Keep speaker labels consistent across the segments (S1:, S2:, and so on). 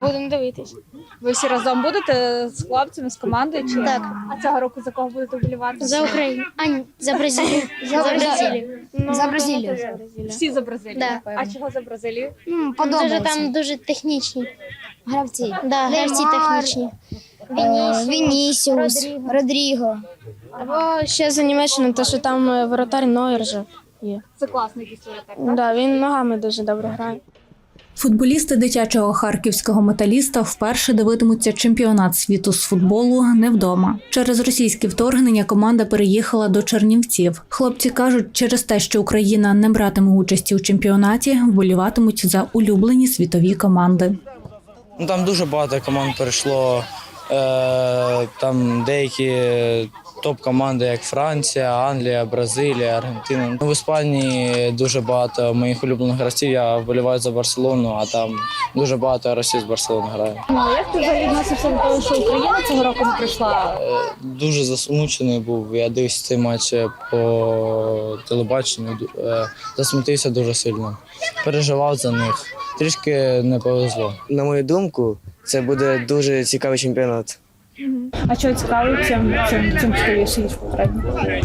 S1: Будемо дивитись.
S2: Ви всі разом будете з хлопцями, з командою? Чи?
S1: Так.
S2: А цього року за кого будете вболівати?
S1: За Україну. А, ні, за Бразилію. За Бразилію.
S3: За Бразилію.
S2: Всі за Бразилію?
S1: Да.
S2: А чого за Бразилію?
S1: Дуже там дуже технічні.
S3: Гравці.
S1: Да, гравці технічні.
S3: Вінісіус, Родріго.
S4: Або ще за Німеччину, те, що там воротар Нойер же є.
S2: Це класний якийсь воротар.
S4: Да, він ногами дуже добре грає.
S5: Футболісти дитячого харківського металіста вперше дивитимуться чемпіонат світу з футболу не вдома. Через російське вторгнення команда переїхала до Чернівців. Хлопці кажуть, через те, що Україна не братиме участі у чемпіонаті, вболіватимуть за улюблені світові команди.
S6: Там дуже багато команд перейшло. Там деякі топ-команди, як Франція, Англія, Бразилія, Аргентина. В Іспанії дуже багато моїх улюблених гравців. Я вболіваю за Барселону, а там дуже багато гравців з Барселони грає.
S2: Як ти взагалі відносився до того, що Україна цього року не прийшла?
S6: Дуже засмучений був. Я дивився цей матч по телебаченню. Засмутився дуже сильно. Переживав за них. Трішки не повезло.
S7: На мою думку, це буде дуже цікавий чемпіонат.
S2: А що цікаво, чим цікавіше, ніж попередньо?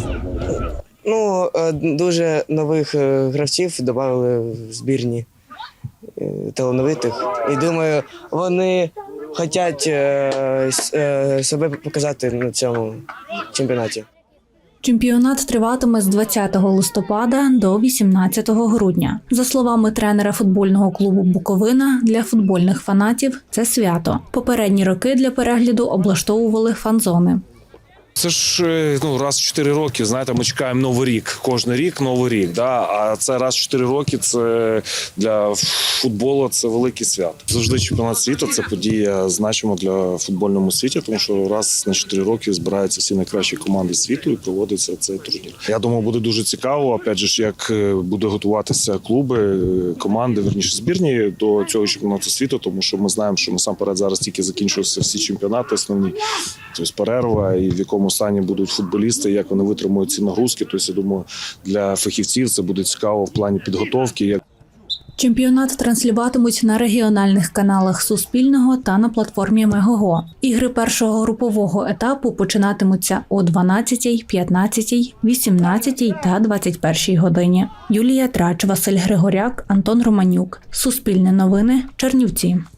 S7: Дуже нових гравців додали в збірні талановитих. І думаю, вони хочуть себе показати на цьому чемпіонаті.
S5: Чемпіонат триватиме з 20 листопада до 18 грудня. За словами тренера футбольного клубу «Буковина», для футбольних фанатів – це свято. Попередні роки для перегляду облаштовували фан-зони.
S8: Це ж раз в 4 роки, знаєте, ми чекаємо Новий рік. Кожен рік Новий рік. Да? А це раз в 4 роки, це для футболу це велике свято. Завжди чемпіонат світу – це подія значима для футбольному світі, тому що раз на 4 роки збираються всі найкращі команди світу і проводиться цей турнір. Я думаю, буде дуже цікаво, опять же, як буде готуватися клуби, команди, верніше збірні до цього чемпіонату світу, тому що ми знаємо, що насамперед зараз тільки закінчуються всі чемпіонати основні, тобто перерва і в якому стані будуть футболісти, як вони витримують ці нагрузки. Тобто, я думаю, для фахівців це буде цікаво в плані підготовки.
S5: Чемпіонат транслюватимуть на регіональних каналах Суспільного та на платформі Мегого. Ігри першого групового етапу починатимуться о 12, 15, 18 та 21 годині. Юлія Трач, Василь Григоряк, Антон Романюк. Суспільне новини, Чернівці.